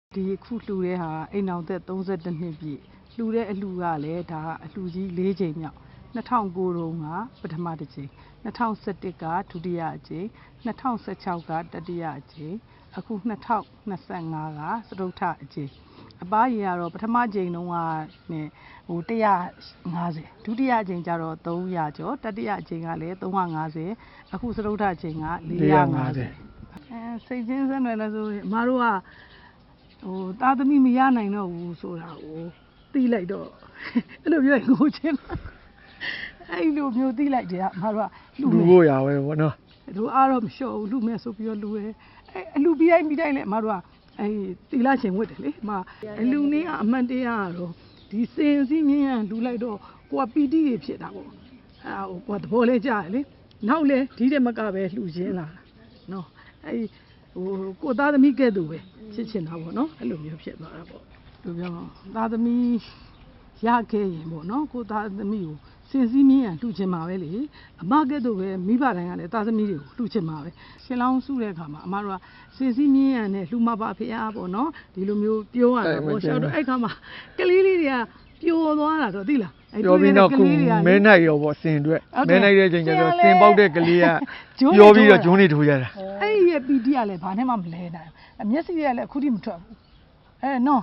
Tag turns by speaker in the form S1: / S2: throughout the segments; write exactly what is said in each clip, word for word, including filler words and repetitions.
S1: ဒီခုလှူတဲ့ဟာအိမ်အောင်သက်သုံးဆယ့်တစ်နှစ်ပြည့်လှူတဲ့အလှူကလည်းဒါအလှူကြီး၄ချိန်မြောက်၂၀၀၉တုန်းကပထမတစ်ချိန်၂၀၁၁ကဒုတိယအချိန်၂၀၁၆ကတတိယအချိန်အခု၂၀၂၅ကစတုတ္ထအချိန်အပားကြီးကတော့ပထမချိန်တုန်းကနဲ့ဟိုတစ်ရာငါးဆယ်ဒုတိယအချိန်ကျတော့သုံးရာကျော်တတိယအချိန်ကလည်းသုံးရာငါးဆယ်အခုစတုတ္ထအချိန်က၄ရာငါးဆယ်အဲစိတ်ချင်းဆက်နွယ်လဲဆိုအမတို့ကဟိုသားသမီးမရနိုင်တော့ဘူးဆိုတာကိုသိလိုက်တော့အဲ့လိုပြောရင်ကိုချင်းအဲ့လိုမျိုးသိလိုက်တယ်အမတို့က
S2: လူဖို့ရပဲပေါ့နော်
S1: တို့အားတော့မလျှော့ဘူးလူမဲ့ဆိုပြီးတော့လူရဲအဲ့အလူပြီးတိုင်းပြီးတိုင်းလဲအမတို့ကအဲ့တီလာရှင်ဝတ်တယ်လေအမအလူနည်းကအမှန်တရားကတော့ဒီစင်စည်းမြင်းရလူလိုက်တော့ကိုကပီတိတွေဖြစ်တာပေါ့အဲ့ဟိုကိုကသဘောလဲကြားတယ်လေနောက်လဲဒီတဲ့မကပဲလှူခြင်းလာတာနော်အဲ့ဟိုကိုသားသမီးကဲ့သို့ပဲချစ်ချင်တာပေါ့နော်အဲ့လိုမျိုးဖြစ်သွားတာပေါ့လူပြောသားသမီးရခဲ့ရင်ပေါ့နော်ကိုသားသမီးကိုစင်စည်းမြင်းရလှူချင်မှာပဲလေအမကဲ့သို့ပဲမိဘတိုင်းကလည်းသားသမီးတွေကိုလှူချင်မှာပဲရှင်လောင်းစုတဲ့အခါမှာအမတို့ကစင်စည်းမြင်းရနဲ့လှူမပါဖေအားပေါ့နော်ဒီလိုမျိုးပြောရတာပေါ့ရှောက်တော့အဲ့ခါမှာကလေးလေးတွေကပျော်သွားတာတော့သိလား
S2: ပြောပြီးတော့ခုမဲနိုင်ရောပေါ့စင်အတွက်မဲနိုင်တဲ့ချိန်ကျတော့စင်ပေါက်တဲ့ကလေးကပြောပြီးတော့ဂျွန်းနေထိုးရတာ
S1: အဲ့ဒီရဲ့ပီတိကလည်းဘာနဲ့မှမလဲနိုင်အမျက်စိတွေကလည်းအခုထိမထွက်ဘူးအဲနော်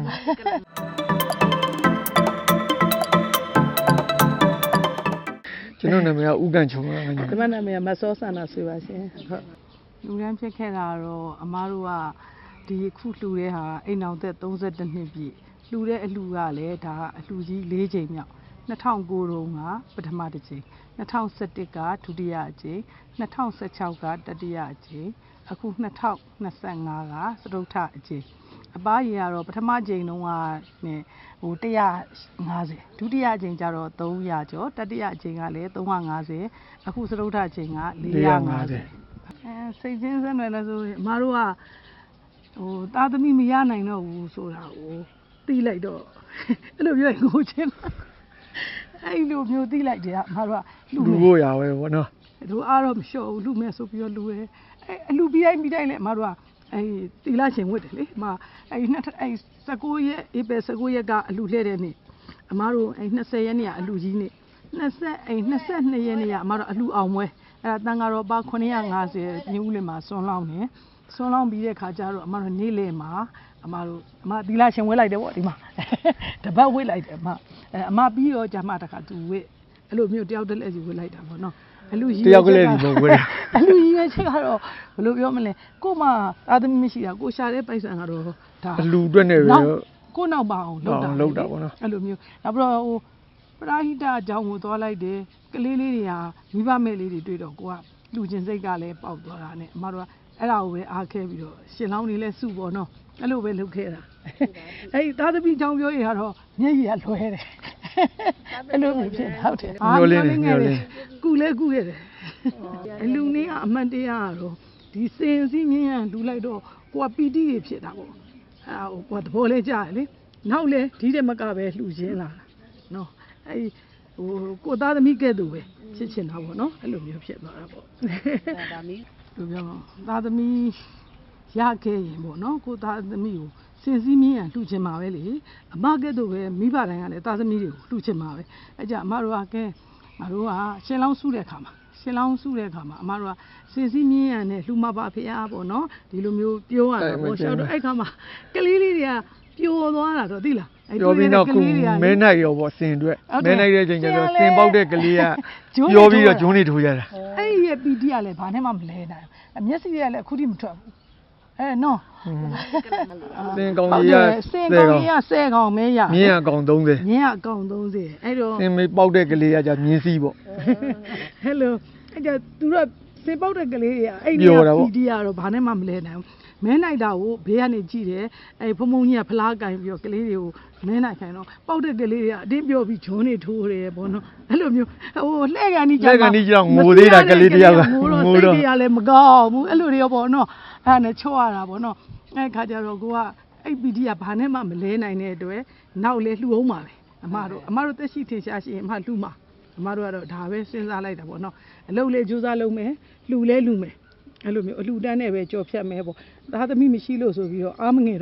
S2: ကျွန်တော်နာမည်ကဦးကန်ချုံပါခင်ဗျာ
S1: ဒီမနာမည်ကမစောဆန္ဒဆွေပါရှင်ဟုတ်လူရန်ဖြစ်ခဲ့တာတော့အမားတို့ကဒီခုလှူတဲ့ဟာအိမ်အောင်သက်သုံးဆယ့်တစ်နှစ်ပြည့်လှူတဲ့အလှူကလည်းဒါအလှူကြီး၄ချိန်မြောက်၂၀၀၉တုန်းကပထမတစ်ချိန်၂၀၁၁ကဒုတိယအချိန်၂၀၁၆ကတတိယအချိန်အခု၂၀၂၅ကစတုတ္ထအချိန်အပားကြီးကတော့ပထမချိန်တုန်းကနဲ့ဟိုတစ်ရာငါးဆယ်ဒုတိယအချိန်ကျတော့သုံးရာကျော်တတိယအချိန်ကလည်းသုံးရာငါးဆယ်အခုစတုတ္ထအချိန်က၄ရာငါးဆယ်အဲစိတ်ချင်းဆက်နွယ်လဲဆိုအမတို့ကဟိုသားသမီးမရနိုင်တော့ဘူးဆိုတာကိုသိလိုက်တော့အဲ့လိုပြောရင်ကိုချင်းအဲ့လိုမျိုးသိလိုက်တယ်အမတို့က
S2: လူဖို့ရပဲပေါ့နော်
S1: တို့အားတော့မလျှော့ဘူးလူမဲ့ဆိုပြီးတော့လူရဲအဲ့အလူပြီးတိုင်းပြီးတိုင်းလဲအမတို့ကအဲ့တီလာရှင်ဝတ်တယ်လေအမအဲ့နှစ်အဲ့၁၉ရက်ဧပြီ၁၉ရက်ကအလူလှဲ့တဲ့နေ့အမတို့အဲ့၂၀ရက်နေ့ကအလူကြီးနေ့၂၀အဲ့၂၂ရက်နေ့ကအမတို့အလူအောင်ပွဲအဲ့ဒါတန်ဃာတော်ပါခုနှစ်ရာငါးဆယ်ညဦးလင်မှာဆွမ်းလောင်းနေဆွမ်းလောင်းပြီးတဲ့ခါကျတော့အမတို့နေ့လယ်မှာအမတို့အမတီလာရှင်ဝဲလိုက်တယ်ပေါ့ဒီမှာတပတ်ဝဲလိုက်တယ်အမအဲအမပြီးတော့ဂျာမတခါသူဝဲအဲ့လိုမျိုးတယောက်တည်းလက်စီဝဲလိုက်တာပေါ့နော်အလူကြီး
S2: တယောက်ကလေးဒီလိုဝဲ
S1: အလူကြီးပဲချက်ကတော့ဘယ်လိုပြောမလဲကိုမအာသမီးမရှိတာကိုရှာတဲ့ပိုက်ဆံကတော့
S2: ဒါအလူအတွက်နဲ့ပဲ
S1: ကိုနောက်ပါအောင်လုပ်တာ
S2: လုပ်တာပေါ့နော်
S1: အဲ့လိုမျိုးနောက်ပြီးတော့ဟိုပရာဟိတအကြောင်းကိုသွားလိုက်တယ်ကလေးလေးတွေကမိဘမဲ့လေးတွေတွေ့တော့ကိုကလူချင်းစိတ်ကလည်းပေါက်သွားတာနဲ့အမတို့ကအဲ့ဒါကိုပဲအားခဲပြီးတော့ရှင်လောင်းနေလဲစုပေါ့နော်အဲ့လိုပဲလုပ်ခဲ့တာအဲ့ဒီသားသမီးကြောင့်ပြောရင်ကတော့မျက်ရည်ကလွှဲတယ်အဲ့လိုမျိုးဖြစ်ဟုတ်တယ်
S2: မျိုးလေးမျိုးလေး
S1: ကုလဲကုရတယ်အလူနည်းကအမှန်တရားကတော့ဒီစင်စည်းမြင်းရလူလိုက်တော့ကိုကပီတိတွေဖြစ်တာပေါ့အဲ့ဟိုကိုကသဘောလဲကြားတယ်လေနောက်လဲဒီတဲ့မကပဲလှူခြင်းလာတာနော်အဲ့ဟိုကိုသားသမီးကဲ့သို့ပဲချစ်ချင်တာပေါ့နော်အဲ့လိုမျိုးဖြစ်သွားတာပေါ့ဒါမီးလူပြောသားသမီးရခဲ့ရင်ပေါ့နော်ကိုသားသမီးကိုစင်စည်းမြင်းရလှူချင်မှာပဲလေအမကဲ့သို့ပဲမိဘတိုင်းကလည်းသားသမီးတွေကိုလှူချင်မှာပဲအဲ့ကြအမတို့ကကဲငါတို့ကရှင်လောင်းစုတဲ့ခါမှာရှင်လောင်းစုတဲ့ခါမှာအမတို့ကစင်စည်းမြင်းရနဲ့လှူမပါဖေအားပေါ့နော်ဒီလိုမျိုးပြောရတာပေါ့ရှောက်တော့အဲ့ခါမှာကလေးလေးတွေကပျော်သွားတာတော့သိလား
S2: ပြောပြီးတော့ခုမဲနိုင်ရောပေါ့စင်အတွက်မဲနိုင်တဲ့ချိန်ကျတော့စင်ပေါက်တဲ့ကလေးကပြောပြီးတော့ဂျွန်းနေထိုးရတာ
S1: အဲ့ဒီရဲ့ပီတိကလည်းဘာနဲ့မှမလဲနိုင်အမျက်စိတွေကလည်းအခုထိမထွက်ဘူးအဲနော်
S2: စင်ကောင်ကြီးက
S1: စင်ကောင်ကြီးကဆယ်ကောင်မဲရ
S2: မြင်းအကောင်သုံးဆယ်
S1: မြင်းအကောင်သုံးဆယ်အဲ့တော့
S2: စင်မေးပေါက်တဲ့ကလေးကじゃမြင်းစည်းပေါ့
S1: ဟယ်လိုအဲ့ကြသူတို့စင်ပေါက်တဲ့ကလေးတွေကအဲ့ဒီပီတိကတော့ဘာနဲ့မှမလဲနိုင်မဲနိုင်တာကိုဘေးကနေကြည့်တယ်အဲ့ဖုံဖုံကြီးကဖလားကင်ပြီးတော့ကလေးတွေကိုမဲနိုင်ခိုင်းတော့ပေါက်တဲ့ကလေးတွေကအတင်းပြောပြီးဂျွန်းနေထိုးတယ်ပေါ့နော်အဲ့လိုမျိုးဟိုလှဲ့ကန်ကြီး
S2: ကြောက်လှဲ့ကန်ကြီးကြောက်ငိုသေးတာကလေးတယောက်က
S1: ငိုတော့စိတ်တွေကလည်းမကောင်းဘူးအဲ့လိုတွေရောပေါ့နော်အဲ့ဒါနဲ့ချော့ရတာပေါ့နော်အဲ့ခါကျတော့ကိုကအဲ့ပီတီကဘာနဲ့မှမလဲနိုင်တဲ့အတွက်နောက်လေလှူအောင်ပါပဲအမတို့အမတို့တက်ရှိထင်ရှားရှိရင်အမလှူမှာအမတို့ကတော့ဒါပဲစဉ်းစားလိုက်တာပေါ့နော်အလုပ်လေးကြိုးစားလုပ်မယ်လှူလဲလှူမယ်အဲ့လိုမျိုးအလှူတန်းနဲ့ပဲကြော်ဖြတ်မယ်ပေါ့သားသမီးမရှိလို့ဆိုပြီးတော့အားမငယ်တော့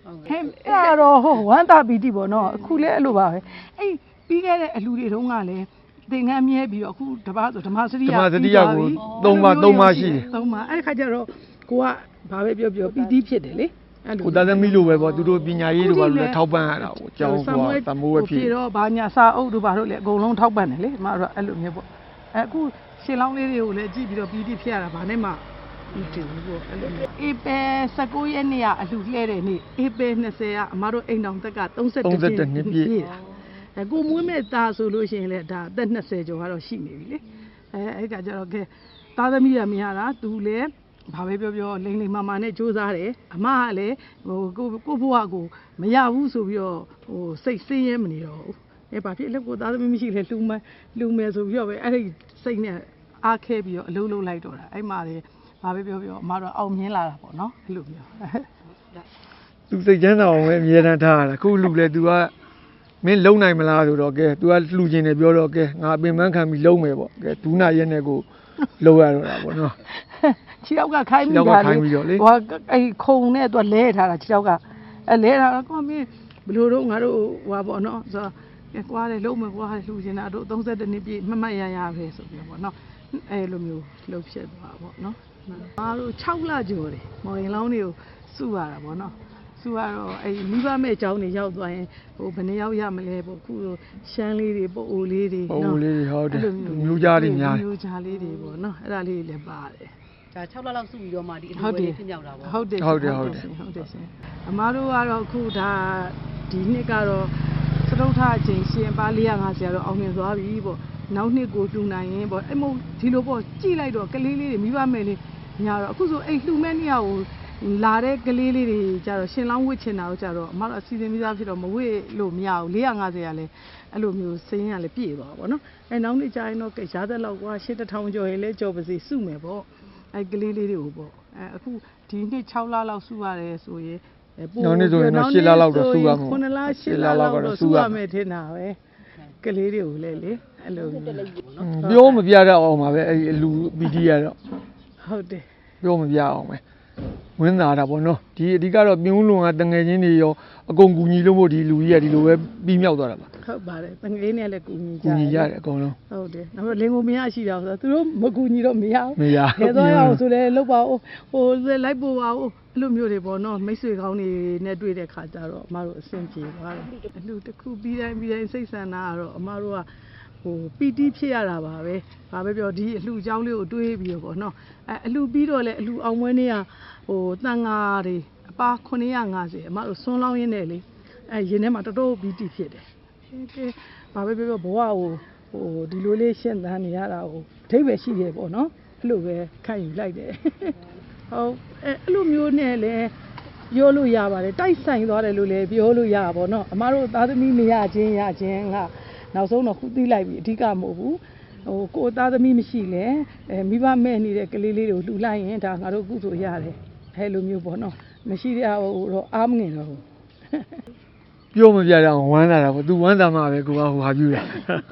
S1: ဟဲ့အဲ့တော့ဟိုဝမ်းသာပီတိပေါ့နော်အခုလည်းအဲ့လိုပါပဲအဲ့ပြီးခဲ့တဲ့အလူတွေတုန်းကလည်းသင်္ကန်းမြဲပြီးတော့အခုတပတ်ဆိုဓမ္မစရိယ
S2: ဓမ္မစရိယကိုသုံးပါသုံးပါရှိတယ်
S1: သုံးပါအဲ့ခါကျတော့ကိုကဘာပဲပြောပြောပီတိဖြစ်တယ်လေအဲ့လို
S2: ကိုသားသမီးလိုပဲပေါ့သူတို့ပညာရေးတို့ဘာလို့လဲထောက်ပံ့ရတာကိုအကြောင်းကွာသမိုးပဲဖြစ်
S1: ပြီးတော့ဘာညာစာအုပ်တို့ဘာလို့လဲအကုန်လုံးထောက်ပံ့တယ်လေအမတို့အဲ့လိုမျိုးပေါ့အဲ့အခုရှင်လောင်းလေးတွေကိုလည်းကြည့်ပြီးတော့ပီတိဖြစ်ရတာဘာနဲ့မှဒီတူပေါ့အဲ့လိုမျိုးအေပယ်၁၉ရက်နေ့ကအလှလှဲတဲ့နေ့အေပယ်၂၀ကအမတို့အိမ်တော်သက်က၃၁နှစ်ပြည့်တာအဲကိုမွေးမဲ့သားဆိုလို့ရှိရင်လည်းဒါအသက်၂၀ကျော်ကတော့ရှိနေပြီလေအဲအဲ့ကကြတော့ကဲသားသမီးရမရတာသူလည်းဘာပဲပြောပြောလိမ့်လိမ့်မာမာနဲ့စူးစားတယ်အမကလည်းဟိုကိုကိုဘွားကိုမရဘူးဆိုပြီးတော့ဟိုစိတ်ဆင်းရဲမနေတော့ဘူးအဲဘာဖြစ်လဲကိုသားသမီးမရှိလဲလှူမလှူမယ်ဆိုပြီးတော့ပဲအဲ့ဒီစိတ်နဲ့အားခဲပြီးတော့အလုံးလုံးလိုက်တော့တာအဲ့မှာလေဘာပဲပြောပြောအမတော့အောင်မြင်လာတာပေါ့နော်အဲ့လိုမျိုး
S2: သူစိတ်ချမ်းသာအောင်ပဲအမြဲတမ်းထားရတာခုလူလဲ तू ကမင်းလုံနိုင်မလားဆိုတော့ကဲ तू ကလှူခြင်းတယ်ပြောတော့ကဲငါပင်ပန်းခံပြီးလုံမယ်ပေါ့ကဲဒူးနာရက်နဲ့ကိုလုံရတော့တာပေါ့နော်
S1: ခြေထောက်ကခိုင်းမိတာလေဟိုအဲ့ခုံနဲ့ तू လဲထားတာခြေထောက်ကအဲလဲတာကောမင်းဘလို့တော့ငါတို့ဟွာပေါ့နော်ဆိုတော့ကွာတယ်လုံမယ်ကွာလှူခြင်းတာတို့၃၁နှစ်ပြည့်မမတ်ရရပဲဆိုပြီးပေါ့နော်အဲလိုမျိုးလှုပ်ဖြစ်သွားပေါ့နော်အားတို့၆လကျော်တယ်မော်ရင်လောင်းတွေကိုစုရတာပေါ့နော်စုရတော့အဲမိဘမဲ့အကြောင်းတွေရောက်သွားရင်ဟိုဘယ်နှယောက်ရမလဲပေါ့ခုရှမ်းလေးတွေပို့အိုလေးတွေ
S2: နော်ပို့အိုလေးတွေဟုတ်တယ်မျိုးကြားတွေများ
S1: မျိုးကြားလေးတွေပေါ့နော်အဲ့ဒါလေးလည်းပါတယ်
S3: ဒါ၆လလောက်စုပြီးတော့မှဒီအလူလေးဖြစ်မြောက်တာပေါ့
S1: ဟုတ်တယ်
S2: ဟုတ်တယ်ဟုတ်တယ်
S1: ဟုတ်တယ်ရှင်အမားတို့ကတော့ခုဒါဒီနှစ်ကတော့စတုထအချိန်ရှင်ပါ၄၅၀ကတော့အောင်မြင်သွားပြီပေါ့နောက်နှစ်ကိုလှူနိုင်ရင်ပေါ့အဲ့မို့ဒီလိုပေါ့ကြည့်လိုက်တော့ကလေးလေးတွေမိဘမဲ့လေးညာတော့အခုဆိုအဲ့လှူမဲ့နေရာကိုလာတဲ့ကလေးလေးတွေကြတော့ရှင်လောင်းဝစ်ချင်တာကိုကြတော့အမတို့အစီအစဉ်မိသားဖြစ်တော့မဝစ်လို့မရဘူး၄၅၀ကလည်းအဲ့လိုမျိုးစင်းရလည်းပြည့်သွားပါတော့နော်အဲ့နောက်နေ့ကျရင်တော့ရတဲ့လောက်ကွာရှစ်တစ်ထောင်ကျော်ရင်လည်းကြော်ပါစေစုမယ်ပေါ့အဲ့ကလေးလေးတွေကိုပေါ့အဲ့အခုဒီနှစ်၆လလောက်စုရတယ်ဆိုရင်
S2: နောက်နေ့ဆိုရင်တော့၈လလောက်တော့စုရမှာ
S1: ခုနှစ်လ၈လလောက်တော့စုရမယ်ထင်တာပဲကလေးတွေကိုလည်းလေအဲ့လို
S2: ပြောမပြတတ်အောင်ပါပဲအဲ့ဒီလူပီတီကတော့
S1: ဟုတ်တယ်
S2: ပြောမပြအောင်ပဲဝင်းသာတာပေါ့နော်ဒီအဓိကတော့ပြင်းဦးလွန်ကတငယ်ချင်းတွေရောအကုန်ကူညီလို့မို့ဒီလူကြီးကဒီလိုပဲပြီးမြောက်သွားတာပါ
S1: ဟုတ်ပါတယ်တငယ်နဲ့လည်းကူညီကြ
S2: ကူညီကြတယ်အကုန်လုံး
S1: ဟုတ်တယ်နောက်တော့လင်ကိုမရရှိတာဆိုတော့သူတို့မကူညီတော့မရဘူး
S2: မရ
S1: ခဲသွားရအောင်ဆိုလဲလောက်ပါဦးဟိုလိုက်ပို့ပါဦးအဲ့လိုမျိုးတွေပေါ့နော်မိတ်ဆွေကောင်းတွေနဲ့တွေ့တဲ့ခါကျတော့အမတို့အဆင်ပြေသွားတယ်အလူတစ်ခုပြီးတိုင်းပြီးတိုင်းစိတ်ဆန္ဒကတော့အမတို့ကဟိုပီတိဖြစ်ရတာပါပဲဘာပဲပြောဒီအလှအကြောင်းလေးကိုတွေးပြီးတော့ပေါ့နော်အဲအလှပြီးတော့လေအလှအောင်မွေးနေရဟိုတန်ငါတွေအပါခုနှစ်ရာ၅၀အမတို့ဆွန်းလောင်းရင်းနဲ့လေအဲရင်ထဲမှာတော်တော်ပီတိဖြစ်တယ်ကဲဘာပဲပြောပြောဘဝကိုဟိုဒီလိုလေးရှင်းသန်းနေရတာကိုအထိပ္ပယ်ရှိတယ်ပေါ့နော်အဲ့လိုပဲခံယူလိုက်တယ်ဟုတ်အဲအဲ့လိုမျိုးနဲ့လေပြောလို့ရပါတယ်တိုက်ဆိုင်သွားတယ်လို့လည်းပြောလို့ရပါဘောနော်အမတို့သားသမီးမရချင်းရချင်းကနောက်ဆုံးတော့ခုသိလိုက်ပြီအဓိကမဟုတ်ဘူးဟိုကိုသားသမီးမရှိလဲအဲမိဘမဲ့နေတဲ့ကလေးလေးတွေကိုလှူလိုက်ရင်ဒါငါတို့ကုသိုလ်ရတယ်အဲလိုမျိုးပေါ့နော်မရှိတဲ့ဟိုတော့အားမငင်တော့ဘူး
S2: ပြောမပြတတ်အောင်ဝမ်းသာတာပေါ့ तू ဝမ်းသာမှာပဲကိုကဟိုဟာပြူတာ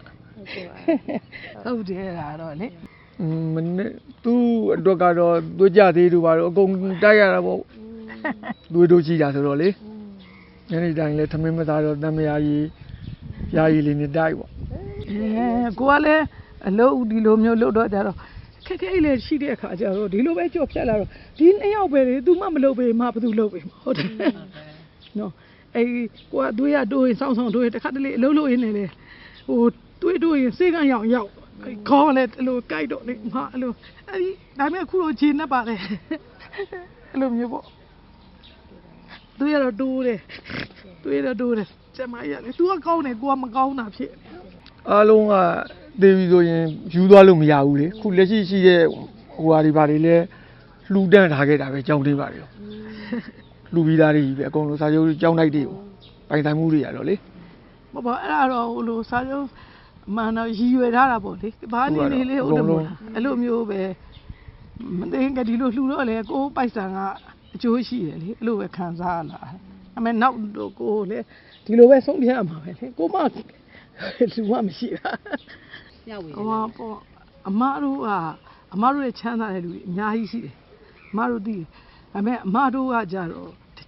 S1: ဟုတ်တယ်ဒါတော့လေ
S2: မနေ့သူ့အတွက်ကတော့သွေးကြသေးတို့ပါတော့အကုန်တိုက်ရတာပေါ့သွေးတို့ရှိတာဆိုတော့လေညနေတိုင်းလဲသမင်းမသားတော့တမယာကြီးယာကြီးလေးနဲ့တိုက်ပေါ့
S1: အဲကိုကလည်းအလုပ်ဒီလိုမျိုးလုပ်တော့ကြတော့ခက်ခဲလေးရှိတဲ့အခါကျတော့ဒီလိုပဲကြော့ဖြတ်လာတော့ဒီနှစ်ယောက်ပဲလေ तू မှမလုပ်ပေမှဘာသူလုပ်ပေဟုတ်တယ်နော်အဲကိုကတွေးရတွေးစောင်းစောင်းတွေးတခါတလေအလုပ်လုပ်ရင်းနေလေဟိုတွေးတွေးရင်စေကန်းရောက်ရောက်ခေါင်းလည်းအဲ့လိုကြိုက်တော့လေဟာအဲ့လိုအဲ့ဒီဒါပေမဲ့ခုလိုခြေနဲ့ပါလေအဲ့လိုမျိုးပေါ့တွေးရတော့တိုးတယ်တွေးရတော့တိုးတယ်ကျမကြီးကလေ तू ကကောင်းတယ်ကိုကမကောင်းတာဖြစ်
S2: အားလုံးကသေပြီဆိုရင်ယူသွားလို့မရဘူးလေခုလက်ရှိရှိတဲ့ဟိုဟာတွေဘာတွေလဲလှူဒန်းထားခဲ့တာပဲကြောင်းသေးပါတယ်လှူပြီးသားတွေကြီးပဲအကုန်လုံးစာချုပ်ကြောင်းတိုက်တွေကိုပိုင်ဆိုင်မှုတွေရတော့လေ
S1: မဟုတ်အဲ့ဒါတော့ဟိုလိုစာချုပ်မှန်တော့ရည်ရွယ်ထားတာပေါ့လေဘာနေနေလေးဟုတ်တယ်မို့အဲ့လိုမျိုးပဲမသိကဒီလိုလှူတော့လေကိုပိုက်ဆံကအကျိုးရှိတယ်လေအဲ့လိုပဲခံစားရလာအမေနောက်တော့ကိုလေဒီလိုပဲဆုံးဖြတ်ရမှာပဲလေကိုမလူမမရှိတာ
S3: ညဝေ
S1: ဟောပေါ့အမတို့ကအမတို့ရဲ့ချမ်းသာတဲ့လူတွေအများကြီးရှိတယ်အမတို့သိတယ်ဒါပေမဲ့အမတို့ကကြတော့တကြ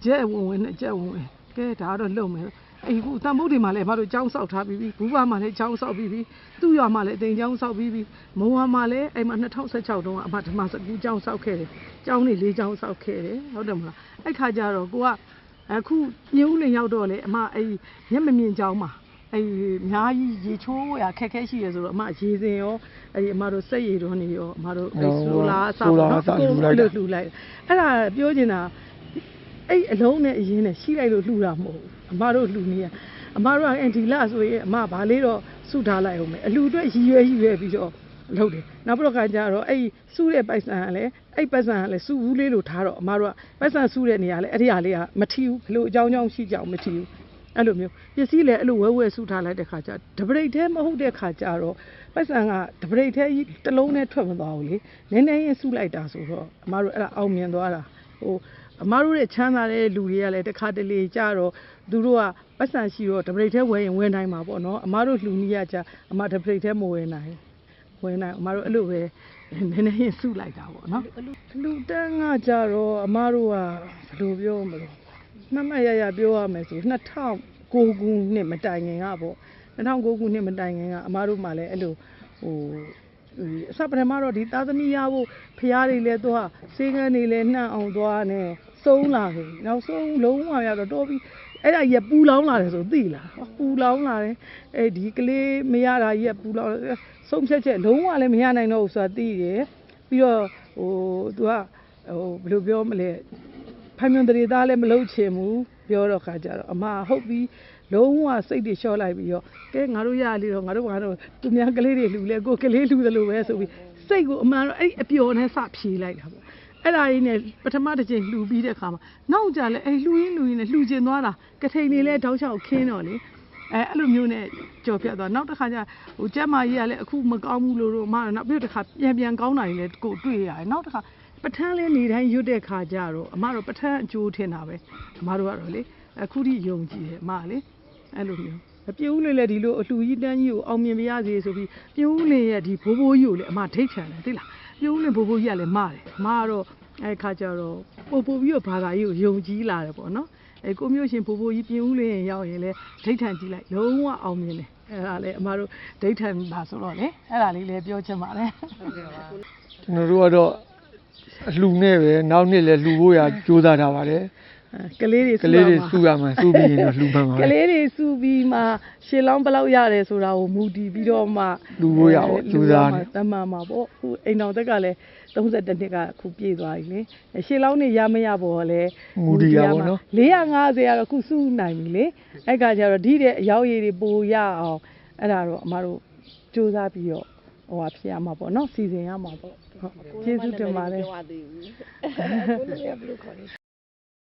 S1: ကျက်ဝင်ဝင်နဲ့ကျက်ဝင်ဝင်ကဲဒါကတော့လုံမယ်အိမ်ကူတန်ဖိုးတွေမှာလည်းအမတို့ကျောင်းဆောက်ထားပြီးပြီဘူးပါမှာလည်းကျောင်းဆောက်ပြီးပြီသူ့ရွာမှာလည်းအသိကျောင်းဆောက်ပြီးပြီမုံဝါမှာလည်းအိမ်မှာ၂၀၁၆တုန်းကအမဓမ္မစကူကျောင်းဆောက်ခဲ့တယ်ကျောင်းနေ၄ကျောင်းဆောက်ခဲ့တယ်ဟုတ်တယ်မလားအဲ့ခါကျတော့ကိုကအခုညဦးလင်ရောက်တော့လေအမအဲ့မျက်မမြင်ကျောင်းမှာအဲ့အများကြီးရေချိုးရခက်ခဲရှိရဆိုတော့အမရေစင်ရောအဲ့အမတို့စက်ရည်တော်နေရောအမတို့အဲ့ဆိုလာအဆောက်နော်ကိုလို့လှူလိုက်အဲ့ဒါပြောချင်တာအဲ့အလုံးနဲ့အရင်နဲ့ရှိလိုက်လို့လှူတာမဟုတ်ဘူးအမတို့လှူနေရအမတို့ကအန်တီလာဆိုရင်အမဗာလေးတော့စုထားလိုက်အောင်မယ်အလှူအတွက်ရည်ရွယ်ရည်ရွယ်ပြီးတော့လုပ်တယ်နောက်ပြီးတော့ခါကျတော့အဲ့စုတဲ့ပိုက်ဆံကလည်းအဲ့ပိုက်ဆံကလည်းစုဘူးလေးလို့ထားတော့အမတို့ကပိုက်ဆံစုတဲ့နေရာလဲအဲ့ဒီဟာလေးကမထီဘူးဘလို့အကြောင်းကြောင်းရှိကြအောင်မထီဘူးအဲ့လိုမျိုးပစ္စည်းလည်းအဲ့လိုဝဲဝဲစုထားလိုက်တဲ့ခါကျဒပရိတ်သေးမဟုတ်တဲ့ခါကျတော့ပိုက်ဆံကဒပရိတ်သေးတစ်လုံးနဲ့ထွက်မသွားဘူးလေနည်းနည်းရင်စုလိုက်တာဆိုတော့အမတို့အဲ့ဒါအောင်မြင်သွားတာဟိုအမတို့ရဲ့ချမ်းသာတဲ့လူတွေကလည်းတစ်ခါတလေကြတော့သူတို့ကပတ်စံရှိတော့ဒပရိတ်သေးဝယ်ရင်ဝယ်နိုင်မှာပေါ့နော်အမတို့လူနီးရကြအမဒပရိတ်သေးမဝယ်နိုင်ဝယ်နိုင်အမတို့အဲ့လိုပဲနည်းနည်းရင်စုလိုက်တာပေါ့နော်လူတန်းကကြတော့အမတို့ကဘယ်လိုပြောမလို့မှတ်မှတ်ရရပြောရမယ်ဆို၂၀၀၉ခုနှစ်မတိုင်ခင်ကပေါ့၂၀၀၉ခုနှစ်မတိုင်ခင်ကအမတို့မှလည်းအဲ့လိုဟိုအစပထမတော့ဒီသားသမီးရဖို့ဖျားတွေလည်းသွားစေကန်းတွေလည်းနှံ့အောင်သွားနေစုံးလာပြီနောက်ဆုံးလုံးဝရတော့တော်ပြီအဲ့ဒါကြီးပူလောင်းလာတယ်ဆိုသိလားပူလောင်းလာတယ်အဲ့ဒီကလေးမရတာကြီးပူလောင်းဆုံးဖြတ်ချက်လုံးဝလည်းမရနိုင်တော့ဘူးဆိုတာသိတယ်ပြီးတော့ဟိုသူကဟိုဘယ်လိုပြောမလဲဖိုင်မြွန်တရေသားလည်းမလုပ်ချင်ဘူးပြောတော့ခါကြတော့အမဟုတ်ပြီလုံးဝစိတ်တွေလျှော့လိုက်ပြီးတော့ကဲငါတို့ရလေတော့ငါတို့ငါတို့သူများကလေးတွေလှူလဲကိုကလေးလှူသလိုပဲဆိုပြီးစိတ်ကိုအမှန်တော့အဲ့အပျော်နဲ့စဖြေလိုက်တာပေါ့အဲ့ဒါကြီးနဲ့ပထမတစ်ချိန်လှူပြီးတဲ့ခါမှာနောက်ကြလဲအဲ့လှူရင်းလှူရင်းနဲ့လှူကျင်သွားတာကထိန်လေးလဲတောက်ချောက်ခင်းတော့လေအဲအဲ့လိုမျိုးနဲ့ကြော်ပြတ်သွားနောက်တစ်ခါကျဟိုကျက်မကြီးကလည်းအခုမကောင်းဘူးလို့တော့အမနောက်ပြီးတစ်ခါပြန်ပြန်ကောင်းတာကြီးလဲကိုတွေ့ရတယ်နောက်တစ်ခါပထန်းလဲနေတိုင်းရွတ်တဲ့ခါကျတော့အမတို့ပထန်းအကျိုးထင်တာပဲအမတို့ကတော့လေအခုထိယုံကြည်တယ်အမလေအဲ့လိုမျိုးပြင်းဦးလေးလည်းဒီလိုအလှူကြီးတန်းကြီးကိုအောင်မြင်ပြရစေဆိုပြီးပြင်းဦးလေးရဲ့ဒီဘိုးဘိုးကြီးကိုလည်းအမထိတ်ခံတယ်သိလားပြင်းဦးလေးဘိုးဘိုးကြီးကလည်းမတယ်အမကတော့အဲ့ခါကျတော့ပို့ပို့ပြီးတော့ဘာသာကြီးကိုယုံကြည်လာတယ်ပေါ့နော်အဲ့ကိုမျိုးရှင်ဘိုးဘိုးကြီးပြင်းဦးလေးရင်ရောက်ရင်လည်းဒိဋ္ဌံကြည့်လိုက်လုံးဝအောင်မြင်တယ်အဲ့ဒါလည်းအမတို့ဒိဋ္ဌံပါဆိုတော့လေအဲ့ဒါလေးလည်းပြောချင်ပါတယ်ဟုတ်ကဲ့ပါ
S2: ကျွန်တော်တို့ကတော့အလှူနဲ့ပဲနောက်နှစ်လည်းလှူဖို့ရကြိုးစားထားပါတယ်
S1: ကလေးတွေ
S2: ကလေးတွေစုရမှာစုပြီးရင်တော့လှူမှမှာ
S1: ကလေးတွေစုပြီးမှရှေ့လောင်းဘယ်လောက်ရတယ်ဆိုတာကိုမူတည်ပြီးတော့မှ
S2: လှူဖို့ရအောင်ကြိုးစားနေ
S1: တမန်မှာပေါ့ခုအိမ်တော်တက်ကလည်း၃၁နှစ်ကခုပြည့်သွားပြီလေရှေ့လောင်းနေရမရပေါ်လဲ
S2: မူတည်ရပါတော့
S1: ၄၅၀ကတော့ခုစုနိုင်ပြီလေအဲ့ကကြတော့ဒီတဲ့အရောက်ရည်တွေပိုရအောင်အဲ့ဒါတော့အမတို့ကြိုးစားပြီးတော့ဟိုဟာဖြစ်ရမှာပေါ့နော်စီစဉ်ရမှာပေါ့ဟုတ်ကျေးဇူးတင်ပါတယ်